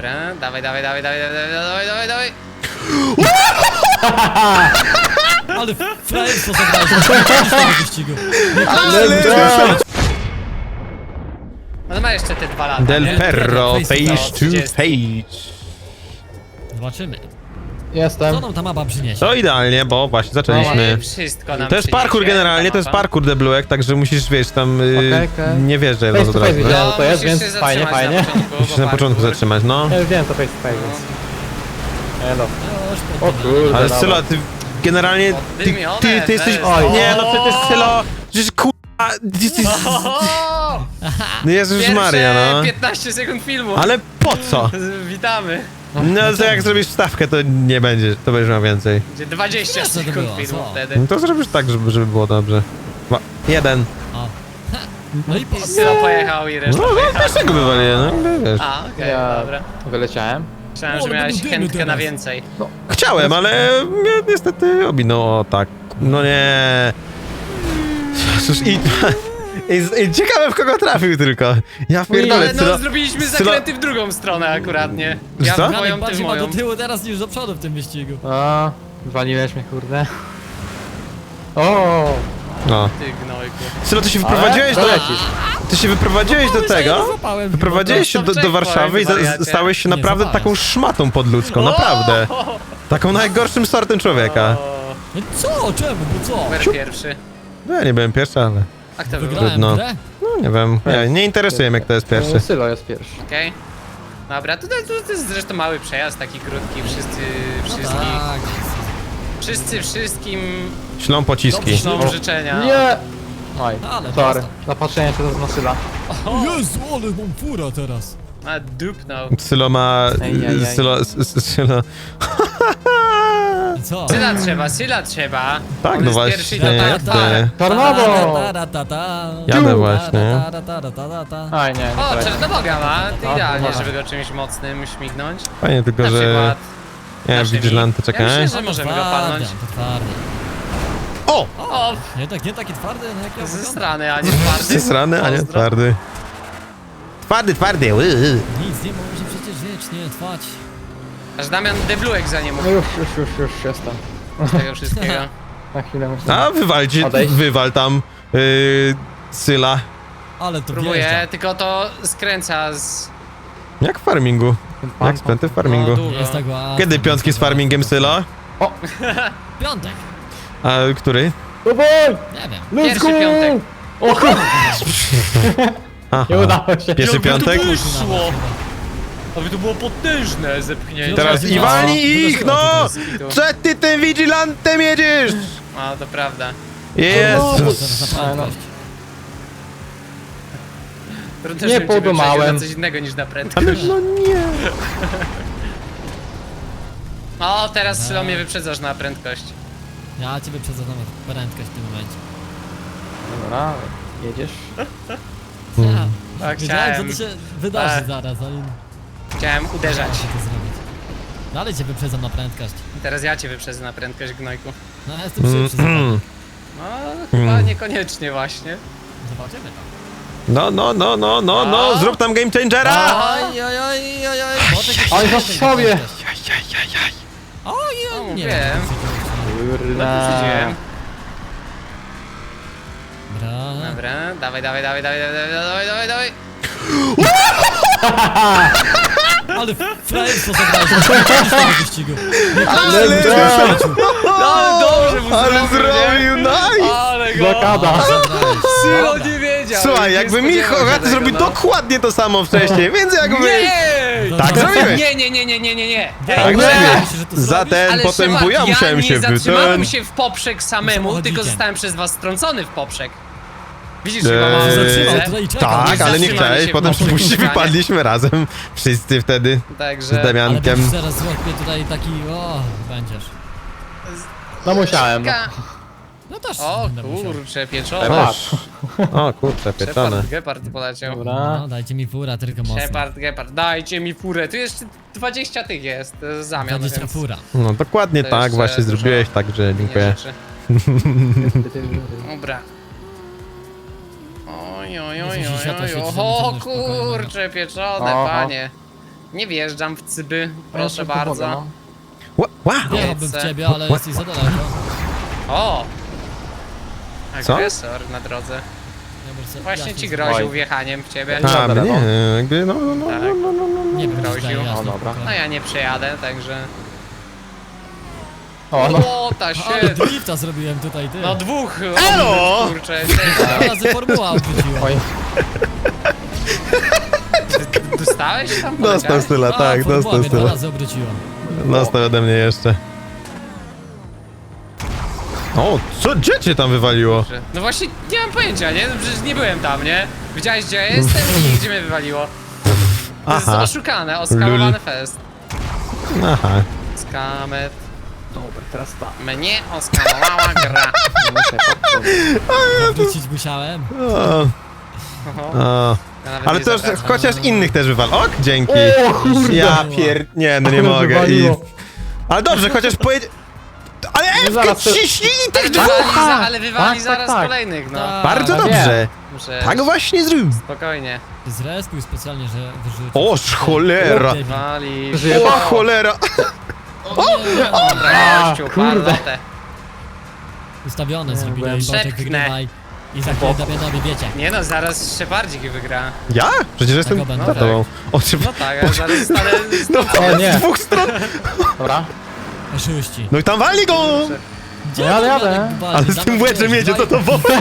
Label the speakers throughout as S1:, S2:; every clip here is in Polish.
S1: Dobra, dawaj.
S2: Ale frajerstwo zagrałeś z tego wyścigu.
S1: No ma jeszcze te 2 lata.
S3: Del
S1: nie?
S3: Perro,
S2: Face to
S3: face to
S1: 30.
S3: face.
S2: Zobaczymy.
S4: Jestem.
S2: Co nam ta mapa przyniesie?
S3: To idealnie, bo właśnie zaczęliśmy.
S1: Wszystko nam
S3: To jest parkour
S1: przyniesie
S3: generalnie,
S1: ta
S3: to jest
S1: mapa.
S3: parkour debluek, także musisz, wiesz, tam
S4: Okej.
S3: nie wjeżdżaj od
S4: Face
S3: razu
S4: to
S3: od
S4: face
S3: razu.
S4: widziałem, co to jest,
S1: musisz
S4: więc
S1: się
S4: fajnie,
S1: zatrzymać
S4: fajnie.
S1: na początku,
S3: Musisz
S1: bo
S3: na początku
S1: parkour.
S3: zatrzymać, no.
S4: Ja już wiem, to face to face, więc... Elo.
S2: Już
S4: O kurde,
S3: Ale
S4: dobra.
S3: Sylo, ty generalnie, ty jesteś...
S4: Oj.
S3: Nie, no przecież Sylo, przecież kurwa, ty jesteś...
S1: O!
S3: No Jezus
S1: Pierwsze
S3: Maria, no.
S1: 15 sekund filmu.
S3: Ale po co?
S1: Witamy.
S3: No to jak zrobisz wstawkę, to nie będzie, to będziesz miał więcej.
S1: Gdzie 20
S2: Jasne, to
S1: sekund
S2: było,
S1: filmu
S2: co?
S1: wtedy.
S3: No to zrobisz tak, żeby było dobrze. Jeden.
S2: O. No i po...
S1: I Sylo pojechał i reszta
S3: No, no
S1: pojechała.
S3: pierwszego wywaliłem, no wiesz.
S1: A, okej,
S4: Ja
S1: dobra.
S4: wyleciałem.
S1: Myślałem,
S2: O,
S1: że
S2: ale
S1: miałeś
S2: będą dymy
S1: chętkę na
S2: teraz.
S1: więcej.
S3: Chciałem, ale mnie niestety ominął, o tak. No nie. Cóż, i ciekawe w kogo trafił tylko. Ja pierdolę,
S1: Ale no zrobiliśmy
S3: Sylo-
S1: zakręty w drugą stronę akurat, nie? Ja
S3: Co?
S1: w moją, ty w
S2: bardziej ma do
S1: moją.
S2: tyłu teraz niż do przodu w tym wyścigu.
S4: O, zwaliłeś mnie, kurde. O,
S3: No.
S1: Ty gnojku.
S3: Sylo, ty się wyprowadziłeś
S4: ale
S3: do...
S4: lecisz.
S3: Ty się wyprowadziłeś do tego?
S2: Złapałem.
S3: Wyprowadziłeś się
S1: Stop
S3: do Warszawy i
S1: wariacie.
S3: stałeś się
S2: Nie
S3: naprawdę
S2: złapałem.
S3: taką szmatą podludzką, naprawdę. Taką najgorszym sortem człowieka.
S1: O,
S2: No co? Czemu? Bo co?
S1: numer pierwszy.
S3: No ja nie byłem pierwszy, ale...
S1: A kto był?
S2: Wygrałem
S3: Trudno.
S2: grę?
S3: No nie wiem, nie interesuje mnie kto jest pierwszy.
S4: Sylo jest pierwszy.
S1: Okej. Dobra, tutaj to jest zresztą mały przejazd, taki krótki, wszyscy
S2: Tak.
S1: wszystkim
S3: Ślą pociski.
S1: ślą życzenia.
S4: Nie! Oj,
S2: Ale
S4: sorry.
S2: prosto.
S4: Zapatrzenie się na Syla.
S2: Jezu, ale mam fura teraz.
S1: A dupnął.
S3: Sylo ma...
S4: Ej.
S3: Sylo...
S2: I co?
S1: Syla trzeba.
S3: Tak,
S1: On
S3: no
S1: jest
S3: właśnie,
S1: pierwszy i to tak,
S3: ty.
S1: tak.
S4: Tornado!
S3: Jadę właśnie.
S4: Aj, nie
S1: O,
S4: poleciał.
S1: Czernoboga ma. To
S4: No,
S1: idealnie,
S4: dobra.
S1: żeby go czymś mocnym śmignąć.
S3: Fajnie tylko,
S1: Na
S3: że...
S1: przykład
S3: Nie,
S1: naszymi.
S3: Vigilanty,
S1: Ja
S3: czekaj.
S1: myślę, że możemy go palnąć.
S2: To twardy.
S3: O!
S1: O,
S2: Nie taki twardy, no jak ja
S1: ze
S2: wyglądam.
S1: strony, a nie twardy.
S3: Zesrany, a nie
S1: Pozdro.
S3: twardy. Twardy.
S2: Nic nie może przecież wiecznie trwać.
S1: Aż Damian debluek za nie mógł
S4: No już jestem.
S1: z tego wszystkiego.
S4: Na chwilę myślę.
S3: A
S4: Odejść.
S3: wywal tam Syla.
S2: Ale to
S1: Próbuję,
S2: wjeżdża.
S1: tylko to skręca z...
S3: Jak w farmingu. Jak spęty w farmingu.
S1: No, długo.
S2: Jest tak łatwo.
S3: Kiedy piątki z farmingiem Sylo?
S2: Piątek.
S3: A który?
S4: Dawaj!
S2: Nie wiem.
S4: Let's
S1: Pierwszy
S4: go!
S1: piątek.
S4: O kurde,
S3: Aha.
S4: nie udało się.
S3: Pierwszy piątek?
S1: Wyszło! Aby to było potężne zepchnięcie.
S3: Teraz i walnij ich, no! Co ty tym vigilantem jedziesz?
S1: A, to prawda.
S3: Jezus.
S2: Zaraz na
S4: no.
S2: prędkość.
S1: Trudno,
S4: Nie
S1: żebym ciebie
S4: podumałem.
S1: przegrał na coś innego niż na
S3: Ale
S1: prędkość.
S3: no nie.
S1: O, teraz Sylo mnie wyprzedzasz na prędkość.
S2: Ja ciebie przedzam na prędkość w tym momencie.
S4: Dobra, jedziesz.
S2: Ja.
S1: Tak,
S2: Wiedziałem,
S1: chciałem.
S2: co to się wydarzy
S1: Tak.
S2: zaraz, ale
S1: Chciałem
S2: nie
S1: uderzać.
S2: da się to zrobić. Dalej cię wyprzedzam na prędkość.
S1: Teraz ja cię wyprzedzę na prędkość, gnojku.
S2: No ja jestem szybszy za tobą.
S1: No, chyba niekoniecznie właśnie.
S2: Zobaczymy to.
S3: No, zrób tam game changera!
S2: Oj.
S4: Oj, w sobie!
S1: No,
S2: Oj, nie.
S1: mówiłem.
S4: Kurde.
S1: Przydziłem.
S2: Dobra.
S1: Dobra, dawaj.
S2: Ale frajerstwo zagrałeś z tego wyścigu.
S3: Ale
S1: Ale dobrze mu
S3: Ale
S1: zrobił, nie?
S3: nice!
S1: Ale go!
S4: Blokada.
S1: Sylo nie wiedział!
S3: Słuchaj,
S1: nie
S3: jakby
S1: spodziewał się
S3: Hogaty
S1: tego,
S3: zrobił
S1: no.
S3: dokładnie to samo wcześniej, więc jakby...
S1: Nie!
S3: Tak zrobiłeś!
S1: Nie.
S3: Tak
S2: Ej,
S3: zrobiłeś!
S2: myślę, że to
S3: Zatem
S1: Ale
S3: potem
S1: Szymon,
S3: ja musiałem się
S1: nie zatrzymałem
S3: ten...
S1: się w poprzek samemu,
S2: Samochodzikiem.
S1: tylko zostałem przez was strącony w poprzek. Widzisz,
S3: Eee,
S1: chyba mam
S2: Zatrzymał
S1: różnicę?
S2: tutaj i czekał.
S3: Tak, ale nie
S1: zatrzymali
S3: chciałeś,
S1: się
S3: potem
S1: w poprzek
S3: przypuści
S1: spotkania.
S3: wypadliśmy razem. Wszyscy wtedy z
S1: Także...
S2: Ale
S3: Damiankiem.
S2: będziesz zaraz złapie tutaj taki, będziesz.
S4: No musiałem. No.
S2: No też
S1: O
S2: będę musiał.
S1: kurcze, pieczone.
S4: Patrz.
S3: O kurczę, pieczone.
S1: Shepard, Gepard poleciał.
S4: Dobra.
S2: No, dajcie mi fura, tylko mocno.
S1: Gepard, dajcie mi furę. Tu jeszcze 20 tych jest, to jest zamian,
S2: 20
S1: więc...
S2: fura.
S3: No dokładnie
S1: To
S3: tak,
S1: jeszcze
S3: właśnie
S1: dużo
S3: zrobiłeś, także
S1: nie
S3: dziękuję.
S1: rzeczy. Dobra. Oj,
S2: Jezu, światła świeci,
S1: o
S2: żeby to
S1: kurcze, pieczone,
S4: Oho.
S1: panie. Nie wjeżdżam w cyby,
S4: Ja
S1: proszę
S4: jeszcze
S1: bardzo.
S4: pomogę,
S3: Wow!
S2: Jechałbym w ciebie, ale jesteś za daleko.
S1: O!
S3: Co?
S1: Agresor na drodze.
S2: Ja bym sobie-
S1: Właśnie
S2: ja
S1: ci
S2: się-
S1: groził
S4: Oj.
S1: wjechaniem w ciebie.
S4: A,
S3: A,
S4: Dobra,
S3: mnie,
S4: no.
S3: jakby, no,
S1: Tak.
S2: Nie wiem,
S1: Groził.
S2: czy jasno.
S4: O, dobra.
S1: No ja nie przejadę, także...
S4: O, no.
S1: O, ta
S2: Ale
S1: się...
S2: drifta zrobiłem tutaj, ty.
S1: No dwóch!
S3: Elo!
S1: Kurczę,
S2: Dwa razy formuła odwróciła.
S4: Oj,
S1: dostałeś tam?
S3: Dostał Syla,
S2: A,
S3: tak,
S2: formuła
S3: dostał
S2: mnie dwa
S3: Syla.
S2: razy obróciła.
S3: Dostał ode mnie jeszcze. O, co, gdzie cię tam wywaliło?
S1: No właśnie, nie mam pojęcia, nie? No przecież nie byłem tam, nie? Widziałeś, gdzie ja jestem i gdzie mnie wywaliło. To jest
S3: Aha,
S1: oszukane, oskamowany
S3: Lul.
S1: fest.
S3: aha.
S1: Skamet.
S4: dobra, teraz tak.
S1: Mnie oskamowała gra.
S4: Muszę podchodzić.
S2: Wrócić musiałem.
S3: O,
S1: Oho,
S3: o.
S1: ja nawet
S3: Ale
S1: nie
S3: to już
S1: zapraszam.
S3: chociaż innych też wywal. Ok, dzięki.
S4: O kurde!
S3: Ja nie, no nie
S4: Ale
S3: mogę.
S4: wywaliło.
S3: Ale dobrze, chociaż pojedzie... Ale Ewkę
S4: zaraz to-
S3: ciśnij i
S1: Ale
S3: tych
S1: wywali,
S3: dwóch!
S1: ale wywali
S4: Tak,
S1: zaraz
S4: tak.
S1: kolejnych, no.
S2: Tak.
S3: Bardzo
S4: ale
S3: dobrze.
S1: Muszę...
S3: Tak właśnie zrób.
S1: Spokojnie.
S2: Zrespił specjalnie, że wyrzucił.
S3: Oż cholera.
S1: Wali.
S4: Żyje.
S3: O cholera.
S1: Dobra, gościu,
S4: kurde.
S1: palotę.
S2: Ustawione zrobili
S4: byłem-
S2: i Boczek
S1: Przepchnę.
S2: wygrywaj. I za chwilę Damianowi wiecie.
S1: Nie no, zaraz Szepardzik wygra.
S3: Ja? Przecież jestem
S2: Tak,
S3: za
S2: tak.
S3: tobą. O, trzeba...
S1: No tak, a zaraz stanę...
S3: No,
S4: O nie.
S3: z dwóch stron.
S4: Dobra.
S2: Oszuści.
S3: No i tam wali go!
S2: Gdzie
S4: Jadę,
S2: Damianek
S4: jadę.
S2: wali?
S3: Ale z tym
S2: Dawaj,
S3: łeczem
S2: wiesz,
S3: jedzie, to
S2: dawaj.
S3: to woda.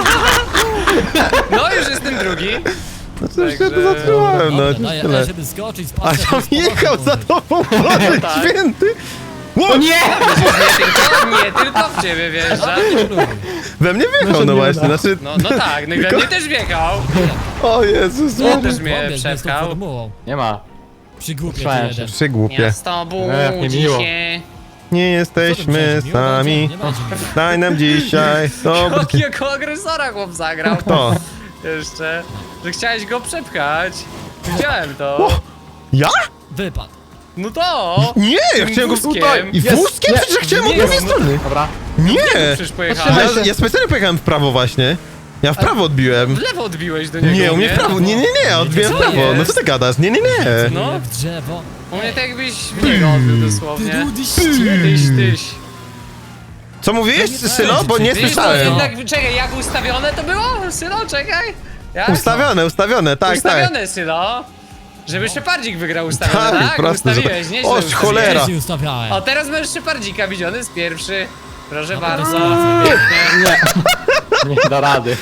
S1: No już jestem drugi.
S3: No to już się
S1: Także-
S3: zatrzymałem, no
S2: Dobra, daję,
S3: tyle.
S2: żeby skoczyć z
S3: A
S2: pasem.
S3: tam
S2: z powrotem
S3: jechał za
S2: może.
S3: tobą, Boże
S1: Tak.
S3: święty! Ło,
S4: Nie!
S1: Nie tylko w ciebie wjeżdża.
S3: we mnie wjechał, no właśnie, znaczy...
S1: No tak, no i we mnie też wjechał.
S3: O Jezus,
S1: No,
S3: no.
S1: też mnie
S2: Pobiegł, jest tą
S1: przepchał.
S2: formułą.
S4: Nie ma.
S2: Przygłupie
S4: Słyszałem
S2: jeden.
S3: Przygłupie.
S1: Miasto budzi
S4: miło.
S1: się.
S3: Nie jesteśmy
S2: Nie
S3: sami.
S2: będzie miło.
S3: Daj nam dzisiaj dobry...
S1: Jakiego agresora chłop zagrał.
S3: Kto?
S1: Jeszcze. Że chciałeś go przepchać. Widziałem to.
S3: O! Ja?
S2: Wypadł.
S1: No to.
S3: Nie, ja
S1: Tym
S3: chciałem go
S1: wózkiem.
S3: tutaj. I
S4: Jest,
S3: wózkiem?
S4: nie.
S3: Przecież ja chciałem od
S1: Nie,
S3: prawej
S1: no.
S3: strony.
S4: Dobra.
S3: Nie!
S1: Przecież pojechałem.
S3: Ja specjalnie pojechałem w prawo właśnie. Ja w prawo odbiłem.
S1: W lewo odbiłeś do niego.
S3: Nie, u mnie w prawo. Nie, ja odbiłem w
S1: Co
S3: prawo. No
S1: jest?
S3: co ty gadasz? Nie.
S1: No.
S2: W drzewo.
S1: U mnie tak jakbyś w niego odbił dosłownie.
S2: Ty
S1: Tyś.
S3: Co mówiłeś,
S2: No nie
S3: Sylo? Bo nie
S1: Widzisz, to
S3: słyszałem.
S1: jednak, czekaj, jak ustawione to było? Sylo, czekaj. Jak?
S3: Ustawione, tak.
S1: Ustawione, Sylo. Żeby Szepardzik wygrał ustawione,
S3: Tak,
S1: tak?
S3: prosto,
S1: Ustawiłeś, nieźle
S3: Oż,
S1: ustawiłeś.
S3: cholera.
S2: Wcześniej ustawiałem.
S1: O, teraz masz Szepardzika widziony z pierwszy. Proszę
S2: No,
S1: bardzo.
S2: to zaraz.
S1: Pięknie.
S4: Nie da rady.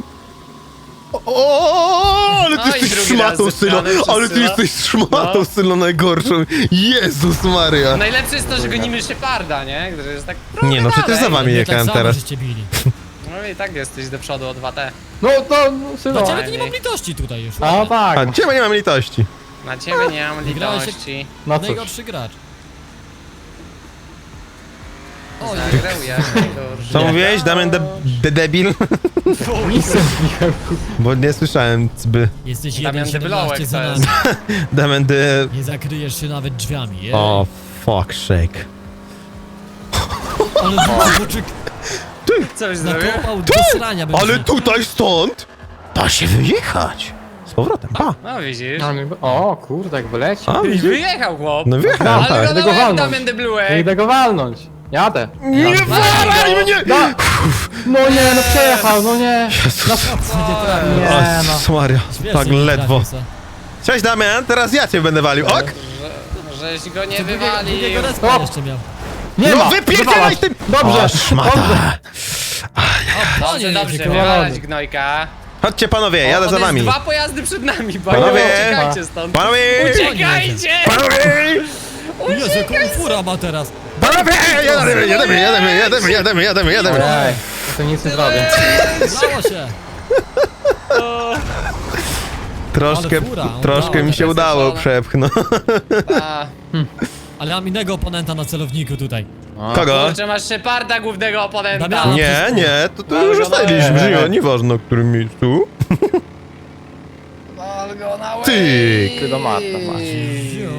S3: O, ale ty
S1: No i
S3: jesteś
S1: drugi raz
S3: szmatą, Sylo.
S1: zepchany przez
S3: Ale ty
S1: Syla.
S3: jesteś szmatą,
S1: No.
S3: Sylo, najgorszą. Jezus Maria.
S1: Najlepsze jest to, że gonimy Szeparda, nie? Który jest tak
S3: Nie no, przecież za wami
S2: Nie tak
S3: jechałem
S2: samo
S3: teraz.
S2: żeście bili.
S1: No i tak jesteś do przodu o 2T.
S4: No to, syno.
S2: Dla ciebie to nie mam litości tutaj już.
S4: A tak.
S3: A ciebie nie mam litości.
S1: Na ciebie nie mam
S2: Wygrałeś jak-
S1: litości.
S4: No cóż.
S2: Najgorszy gracz. O,
S1: Zagrał jak najgorszy.
S3: Co mówiłeś, Damian debil?
S4: Nic nie mówiłem.
S3: Bo nie słyszałem cby.
S2: jesteś
S1: Damian
S2: 1,17
S1: Debylołek
S2: za
S1: to
S2: nami.
S1: jest.
S3: Damian de...
S2: Nie zakryjesz się nawet drzwiami. Jej.
S3: O, fuck shake.
S2: Ale Boczek
S1: Co byś zrobił?
S2: nakopał do srania będzie.
S3: Ale tutaj stąd da się wyjechać. Z powrotem, pa.
S1: No widzisz.
S4: O kurde, jak wyleci.
S3: A,
S1: I
S3: widzisz?
S1: wyjechał chłop.
S3: No wjechałem,
S1: Ale
S3: tak.
S1: go
S4: Idę go
S1: dałem
S4: walnąć.
S1: Damian de
S4: Nie
S1: Blue'ek.
S4: idę go walnąć. Jadę.
S3: Nie walaj mnie!
S4: Da. No nie, no przejechał, no nie.
S3: Jezus.
S4: Nie no.
S3: Jezus Maria,
S2: Świetnie
S3: tak
S2: mi
S3: ledwo.
S2: trafił se.
S3: Cześć Damian, teraz ja cię będę walił, ok?
S1: Żeś go nie
S2: Drugiego
S1: wywalił.
S2: respa
S4: O!
S2: jeszcze miał.
S4: Nie
S3: No
S4: ma.
S3: wypierdzielaj
S4: wywalać.
S3: tym!
S4: Dobrze.
S3: O, szmata.
S1: Dobrze, dobrze,
S2: jedzie,
S1: wywalać gnojka.
S3: Chodźcie panowie, jadę
S1: O,
S3: za
S1: on jest
S3: wami.
S1: dwa pojazdy przed nami,
S3: Panowie!
S1: uciekajcie stąd.
S3: Panowie!
S1: Uciekajcie!
S3: Panowie!
S2: Jezu, jaką fura ma teraz.
S3: Panowie! Jedziemy.
S4: Ej, to nic nie zrobię.
S2: Udało się.
S3: Troszkę,
S2: Ale fura,
S3: troszkę mi się
S1: teraz
S3: udało
S1: zeszone.
S3: przepchnąć.
S1: A,
S2: Ale mam innego oponenta na celowniku tutaj.
S3: Kogo?
S1: kurczę, masz Szeparda, głównego oponenta.
S2: Damiana.
S3: Nie, to już ustaliliśmy, że nieważne, w którym miejscu.
S1: Wal go na łeb.
S3: Ty.
S4: Ty do Marta masz.
S2: Jo.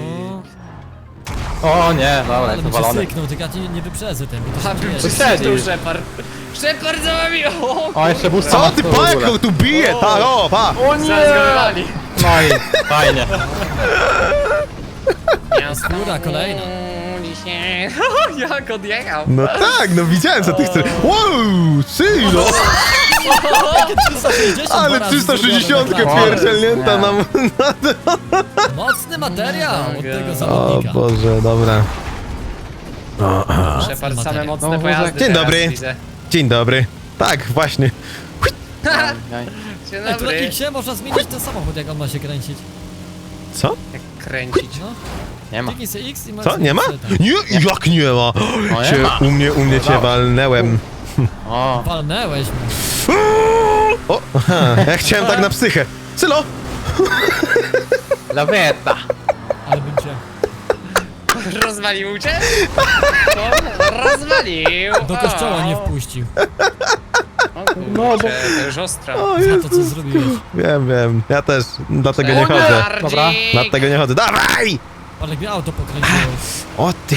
S4: O nie, dobra,
S2: Ale
S4: jest
S2: bym
S4: powalony.
S2: przysyknął, tylko ja nie wyprzedzę ten, bo to
S1: A
S2: się
S1: bym
S2: dzieje.
S1: przysnął Szepard. Szepard za wami! O,
S4: O, jeszcze boosta
S3: Co
S4: ma
S3: ty
S4: w ogóle.
S3: pajaką tu bije? Tak, o, pa!
S4: O
S1: zaraz go wywali.
S4: No i fajnie.
S2: Skóra kolejna.
S1: Dzisiaj. Jak odjechał.
S3: No tak, no widziałem co ty chcesz. Wow, Sylo!
S2: Jakie 360
S3: Ale
S2: dwa razy
S3: 360
S2: zrobione na
S3: pierdzielnięta
S4: Nie.
S3: nam.
S2: klasie. Mocny materiał od tego
S3: O
S2: zawodnika.
S3: Boże, dobra.
S1: Shepard, same
S2: materiał.
S1: mocne
S4: No,
S1: pojazdy
S3: Dzień
S1: teraz
S3: dobry.
S1: widzę.
S3: Dzień dobry. Tak, właśnie.
S1: Dzień
S2: Ej, tu na
S1: dobry.
S2: X-ie można zmienić ten samochód, jak on ma się kręcić.
S3: Co?
S1: Jak kręcić.
S2: No,
S4: Nie ma.
S2: kliknij sobie X i masz...
S3: Co? Nie ma?
S2: tak.
S3: Nie, jak nie ma?
S4: nie
S3: Cię,
S4: ma.
S3: u mnie cię walnęłem.
S4: O,
S2: Walnęłeś mnie.
S3: O, aha, ja chciałem tak na psychę. Sylo!
S4: laweta.
S2: Ale bym cię...
S1: Rozwalił cię? No, rozwalił.
S2: Do kościoła nie
S1: O.
S2: wpuścił.
S1: O kurczę, to już ostro.
S3: O,
S2: Za to,
S3: Jezu.
S2: co zrobiłeś.
S3: Wiem. Ja też dlatego nie chodzę.
S4: Dobra.
S3: Dlatego nie chodzę. Dawaj!
S2: Ale mnie auto pokręciło.
S3: O ty!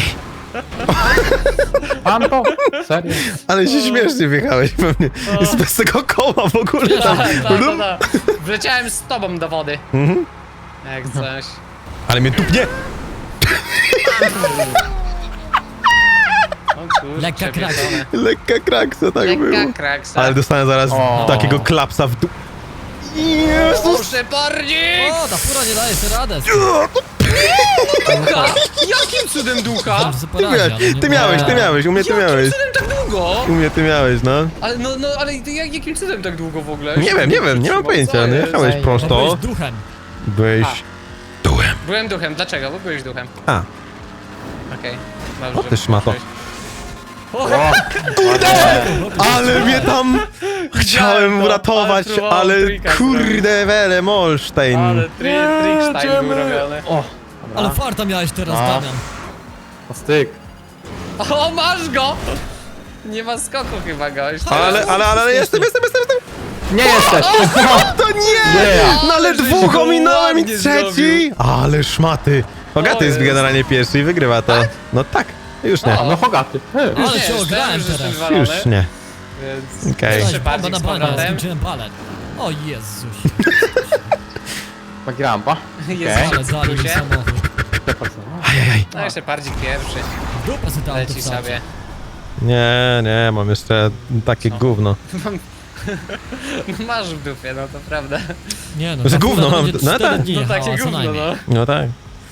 S4: Pan to? Serio?
S3: Ale się śmiesznie wjechałeś pewnie. Jest bez tego koła w ogóle tam.
S1: Tak. Wleciałem z tobą do wody.
S3: Mhm.
S1: Jak coś.
S3: Ale mnie tupnie!
S1: O kurczę,
S2: Lekka kraksa.
S1: wiedzone.
S3: Lekka kraksa, tak było.
S1: Lekka kraksa.
S3: Ale dostanę zaraz
S4: O.
S3: takiego klapsa w dół.
S1: O,
S3: Jezus!
S1: Szepardzik!
S2: O, ta fura nie daje sobie radę.
S1: Ducha! Jakim cudem ducha?
S2: Dobrze,
S3: Ty
S2: porazi, ale
S3: miałeś,
S2: nie
S3: ty miałeś, u mnie ty
S1: Jakim
S3: miałeś.
S1: cudem tak długo?
S3: U mnie ty miałeś, no.
S1: Ale ale jakim cudem tak długo w ogóle?
S3: Nie mam pojęcia, no jechałeś
S4: Zajebiste.
S2: Bo
S3: prosto.
S2: byłeś duchem.
S3: Byłeś dułem.
S1: Byłem duchem, dlaczego? Bo byłeś duchem.
S3: A,
S1: Okej. Dobrze.
S3: O, ty szmato.
S1: O,
S3: ale mnie tam chciałem
S1: to,
S3: uratować,
S1: ale próbowałem
S3: ale
S1: trika
S3: kurde wele Molstein.
S1: ale trickstein był robiony.
S4: O,
S2: Ale farta miałeś teraz,
S4: No.
S2: Damian.
S4: o styk.
S1: O, masz go! Nie ma skoku chyba, gość.
S3: Ale jestem.
S4: Nie jesteś!
S3: To nie!
S4: Yeah.
S3: No ale
S1: Ale żeś
S3: dwóch
S1: go
S3: ominąłem i
S1: ładnie
S3: trzeci!
S1: zrobił.
S3: Ale szmaty! Hogaty
S1: O
S3: jest
S1: Jezu.
S3: generalnie pierwszy i wygrywa to. No tak, już nie.
S1: O.
S4: No Hogaty.
S2: Ale
S1: Nie,
S2: się
S1: już
S2: ograłem
S1: wiem, że
S2: teraz.
S1: jestem walony,
S3: Już nie.
S1: Więc...
S3: Okej.
S2: Dostałeś
S1: Szepardzik
S2: bombę na
S1: z
S2: banie,
S1: powrotem.
S2: skończyłem balet. O Jezus.
S4: Grampa.
S1: Jest
S4: Okej.
S2: Ale dali mi
S1: plusie.
S2: samochód.
S3: Ajajaj.
S1: No jeszcze Pardzik pierwszy.
S2: W dupę sobie to auto
S1: Leci
S2: wsadzi.
S1: sobie.
S3: Nie, mam jeszcze takie gówno.
S1: No masz w dupie, no to prawda.
S2: Nie no,
S3: Że
S2: ta
S3: gówno
S2: fura
S3: mam,
S2: będzie
S3: no
S2: 4
S3: tak.
S2: dni
S1: No
S2: jechała,
S1: takie
S2: co
S1: gówno,
S2: najmniej.
S1: no.
S3: No tak.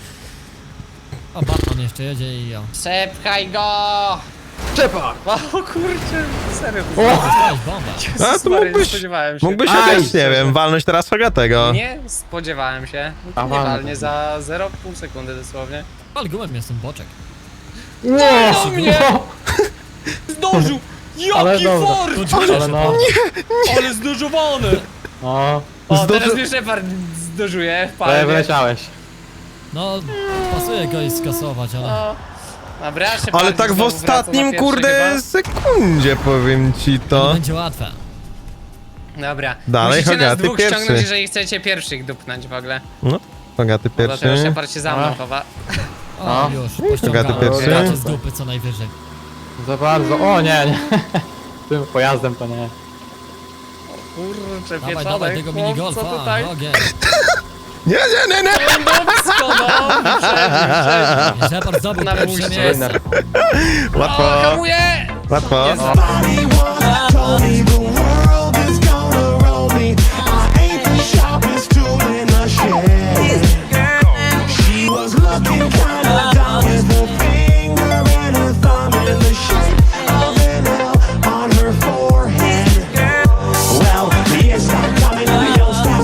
S2: A Batman jeszcze jedzie i ja.
S1: Przepchaj go!
S4: Czepa!
S1: O kurczę, serio.
S4: O!
S2: Dostałeś bombę.
S3: A
S1: Jezus
S3: to
S1: Maria, nie
S3: mógłbyś,
S1: spodziewałem się.
S3: mógłbyś
S4: Aj,
S3: chociaż, nie wiem, walnąć teraz Hogatego.
S1: Nie spodziewałem się.
S4: A,
S1: Nie
S4: walnę.
S1: walnie za 0,5 sekundy dosłownie.
S2: Ale gumem jestem boczek.
S4: Nie!
S1: No nie! Zdążył!
S4: Ale
S1: Jaki
S4: dobra.
S1: fort!
S4: Ale no.
S1: Ale zdążowany!
S4: No.
S1: O, teraz mnie Shepard zdążuje w
S4: Ale
S1: palmie.
S4: wyleciałeś.
S2: No, pasuje go i skasować, ale...
S1: O. Dobra, Shepard
S3: Ale tak w
S1: znowu wraca na
S3: ostatnim,
S1: pierwszy
S3: kurde,
S1: chyba.
S3: sekundzie powiem ci
S2: To nie
S3: to.
S2: będzie łatwe.
S1: Dobra.
S3: Dalej,
S1: Musicie nas
S3: Hogaty
S1: dwóch
S3: pierwszy.
S1: ściągnąć, jeżeli chcecie pierwszych dupnąć w ogóle.
S3: No, Hogaty
S1: Dlatego
S3: pierwszy.
S1: Shepard się za mną
S4: A.
S1: chowa.
S2: O,
S4: No.
S2: już,
S3: Hogaty
S2: pościągałem.
S3: pierwszy.
S2: Gracie z dupy co najwyżej.
S4: Za bardzo. O nie. Tym pojazdem to nie.
S1: Kurczę,
S2: Dawaj,
S1: pieczone,
S2: dawaj tego
S1: chłop,
S2: minigolfa,
S1: co tutaj?
S2: ogień.
S3: Nie!
S1: Dupsko, no! Przeżył.
S2: Shepard zdobył
S1: Na
S2: pierwsze
S1: buście.
S2: miejsce.
S4: Winner.
S1: O,
S3: Łatwo,
S1: hamuję!
S3: łatwo.
S1: Jest.
S5: Somebody once told me the world is gonna roll me. I ain't the sharpest tool in the shed. She was looking kinda dumb with her